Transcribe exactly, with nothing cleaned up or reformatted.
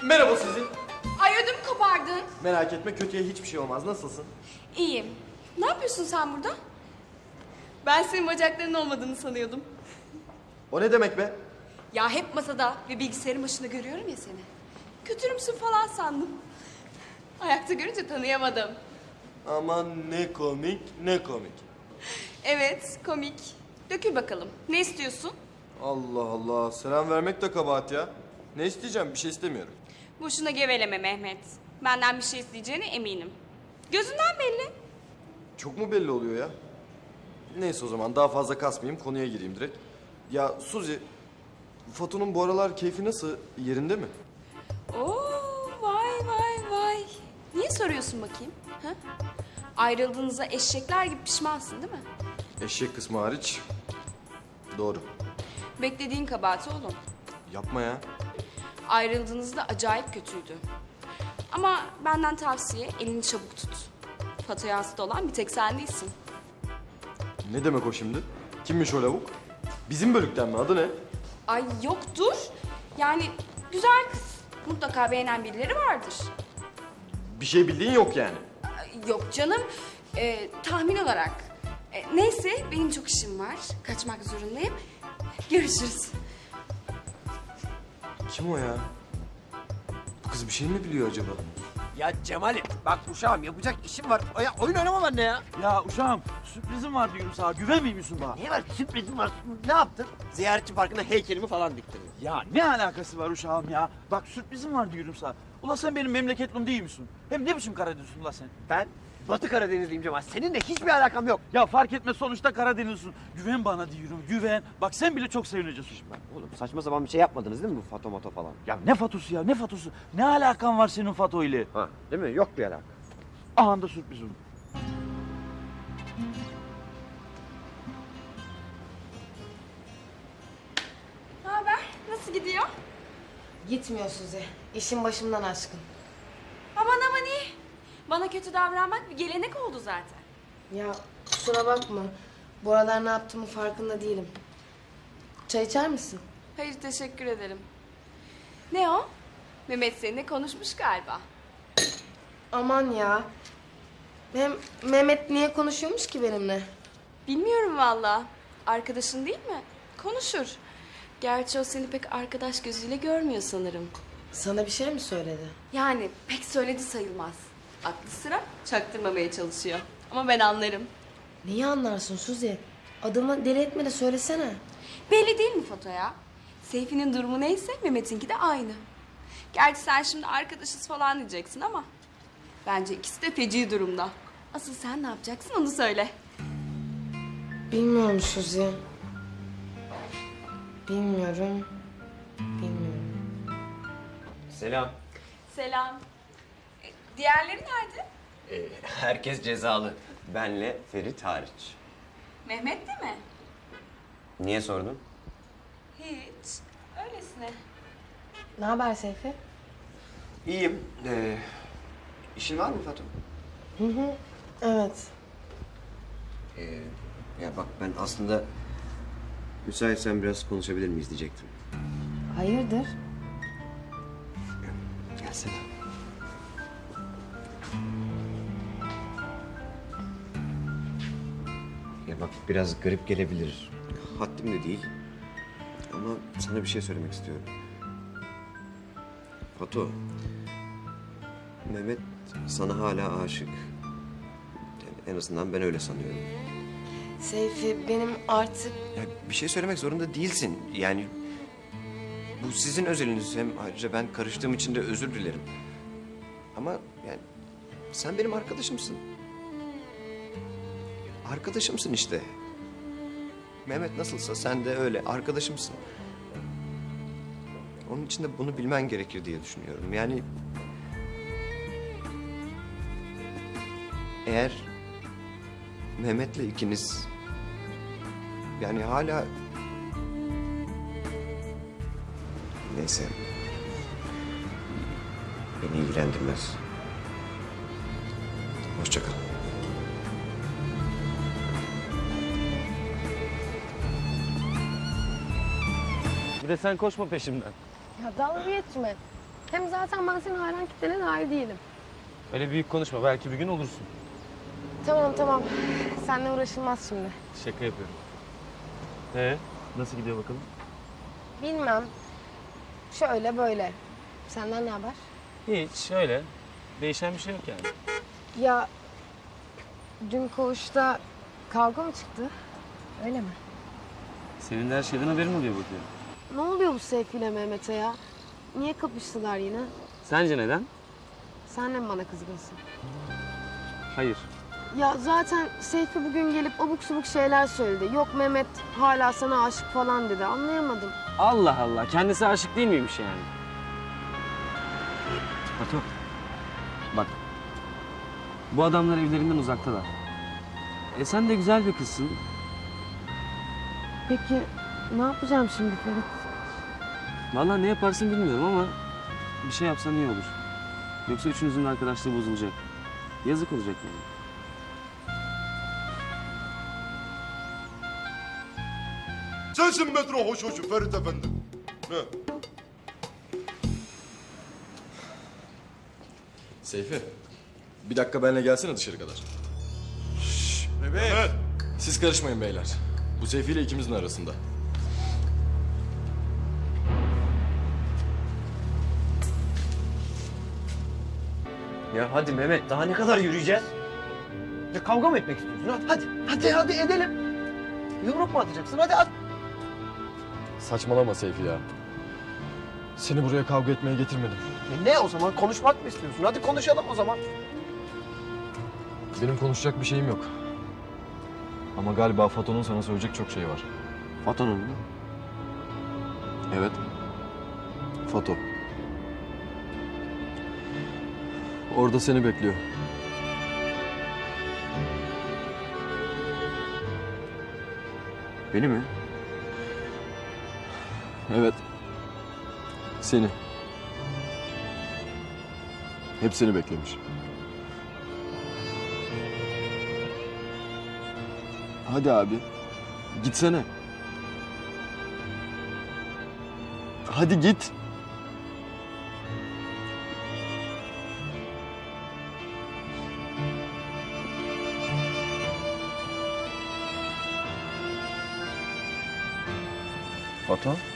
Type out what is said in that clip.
Merhaba Suzi. Ay ödümü kopardın. Merak etme, kötüye hiçbir şey olmaz. Nasılsın? İyiyim. Ne yapıyorsun sen burada? Ben senin bacaklarının olmadığını sanıyordum. O ne demek be? Ya hep masada ve bilgisayarın başında görüyorum ya seni. Kötürümsün falan sandım. Ayakta görünce tanıyamadım. Aman ne komik, ne komik. Evet, komik. Dökül bakalım. Ne istiyorsun? Allah Allah, selam vermek de kabahat ya. Ne isteyeceğim? Bir şey istemiyorum. Boşuna geveleme Mehmet. Benden bir şey isteyeceğine eminim. Gözünden belli. Çok mu belli oluyor ya? Neyse o zaman daha fazla kasmayayım, konuya gireyim direkt. Ya Suzi, Fato'nun bu aralar keyfi nasıl? Yerinde mi? Oo, vay vay vay. Niye soruyorsun bakayım? Ha? Ayrıldığınızda eşekler gibi pişmansın değil mi? Eşek kısmı hariç. Doğru. Beklediğin kabahat oğlum. Yapma ya. Ayrıldığınızda acayip kötüydü. Ama benden tavsiye elini çabuk tut. Fatoya hasta olan bir tek sen değilsin. Ne demek o şimdi? Kimmiş o lavuk? Bizim bölükten mi? Adı ne? Ay yok dur. Yani güzel kız. Mutlaka beğenen birileri vardır. Bir şey bildiğin yok yani. Ay, yok canım. Ee, tahmin olarak. Ee, neyse benim çok işim var. Kaçmak zorundayım. Görüşürüz. Kim o ya? Bu kız bir şey mi biliyor acaba? Ya Cemal'im bak uşağım yapacak işim var. Ya, oyun oynamam anne ya. Ya uşağım sürprizim var diyorum sana. Güvenmiyor musun bana? Ne var sürprizim var. Ne yaptın? Ziyaretçi parkına heykelimi falan diktin. Ya ne alakası var uşağım ya? Bak sürprizim var diyorum sana. Ula sen benim memleketlim değil misin? Hem ne biçim Karadenizlisin ula sen? Ben Batı Karadenizliyim Cemal. Seninle hiçbir alakam yok. Ya fark etmez sonuçta Karadenizlisin. Güven bana diyorum güven. Bak sen bile çok sevineceksin. Oğlum saçma sapan bir şey yapmadınız değil mi bu Fato Mato falan? Ya ne Fatosu ya ne Fatosu? Ne alakan var senin Fato ile? Ha değil mi? Yok bir alaka. Aha da sürprizim. Ne haber? Nasıl gidiyor? Gitmiyor Suzi. İşin başımdan aşkın. Aman aman iyi. Bana kötü davranmak bir gelenek oldu zaten. Ya kusura bakma. Bu aralar ne yaptığımı farkında değilim. Çay içer misin? Hayır teşekkür ederim. Ne o? Mehmet seninle konuşmuş galiba. Aman ya. Hem Mehmet niye konuşuyormuş ki benimle? Bilmiyorum valla. Arkadaşın değil mi? Konuşur. Gerçi o seni pek arkadaş gözüyle görmüyor sanırım. Sana bir şey mi söyledi? Yani pek söyledi sayılmaz. Aklı sıra çaktırmamaya çalışıyor. Ama ben anlarım. Neyi anlarsın Suzi? Adamı deli etme de söylesene. Belli değil mi Foto'ya? Seyfi'nin durumu neyse Mehmet'inki de aynı. Gerçi sen şimdi arkadaşız falan diyeceksin ama... bence ikisi de feci durumda. Asıl sen ne yapacaksın onu söyle. Bilmiyorum Suzi. Bilmiyorum. Bilmiyorum. Selam. Selam. E, diğerleri nerede? Ee, herkes cezalı. Benle Ferit hariç. Mehmet de mi? Niye sordun? Hiç. Öylesine. Ne haber Seyfi? İyiyim. Ee, işin var mı Fatum? Hı hı. Evet. Ee, ya bak ben aslında müsaitsen biraz konuşabilir miyiz diyecektim. Hayırdır? Gelsene. Ya bak biraz garip gelebilir. Haddim de değil. Ama sana bir şey söylemek istiyorum. Fatu, Mehmet sana hala aşık. Yani en azından ben öyle sanıyorum. Seyfi benim artık... Ya bir şey söylemek zorunda değilsin. Yani bu sizin özeliniz. Hem ayrıca ben karıştığım için de özür dilerim. Ama yani sen benim arkadaşımsın. Arkadaşımsın işte. Mehmet nasılsa sen de öyle arkadaşımsın. Onun için de bunu bilmen gerekir diye düşünüyorum. Yani eğer Mehmet'le ikiniz yani hala neyse beni ilgilendirmez. Hoşça kal. Bir de sen koşma peşimden. Ya dalga geçme. Hem zaten ben senin hayran kitlene dair değilim. Öyle büyük konuşma. Belki bir gün olursun. Tamam tamam. Seninle uğraşılmaz şimdi. Şaka yapıyorum. Ee, nasıl gidiyor bakalım? Bilmem. Şöyle böyle. Senden ne haber? Hiç öyle. Değişen bir şey yok yani. Ya dün koğuşta kavga mı çıktı? Öyle mi? Senin de her şeyden haberin oluyor bakıyorum. Ne oluyor bu Seyfi ile Mehmet'e ya? Niye kapıştılar yine? Sence neden? Sen de mi bana kızgınsın? Hayır. Ya zaten Seyfi bugün gelip abuk subuk şeyler söyledi. Yok Mehmet hala sana aşık falan dedi. Anlayamadım. Allah Allah. Kendisi aşık değil miymiş yani? Batu. Bak. Bu adamlar evlerinden uzaktalar. E sen de güzel bir kızsın. Peki ne yapacağım şimdi Ferit? Vallahi ne yaparsın bilmiyorum ama bir şey yapsan iyi olur. Yoksa üçünüzün de arkadaşlığı bozulacak. Yazık olacak yani. Sensin metro hoş hoşu Ferit Efendi. Ne? Seyfi, bir dakika benimle gelsene dışarı kadar. Evet. Siz karışmayın beyler. Bu Seyfi ile ikimizin arasında. Ya hadi Mehmet daha ne kadar yürüyeceğiz? Ya kavga mı etmek istiyorsun? Hadi hadi hadi, hadi edelim. Yumruk mu atacaksın? Hadi at. Saçmalama Seyfi ya. Seni buraya kavga etmeye getirmedim. E ne o zaman konuşmak mı istiyorsun? Hadi konuşalım o zaman. Benim konuşacak bir şeyim yok. Ama galiba Fato'nun sana söyleyecek çok şey var. Fato'nun mu? Evet. Fato. Orada seni bekliyor. Beni mi? Evet. Seni. Hepsini beklemiş. Hadi abi. Gitsene. Hadi git. Fato?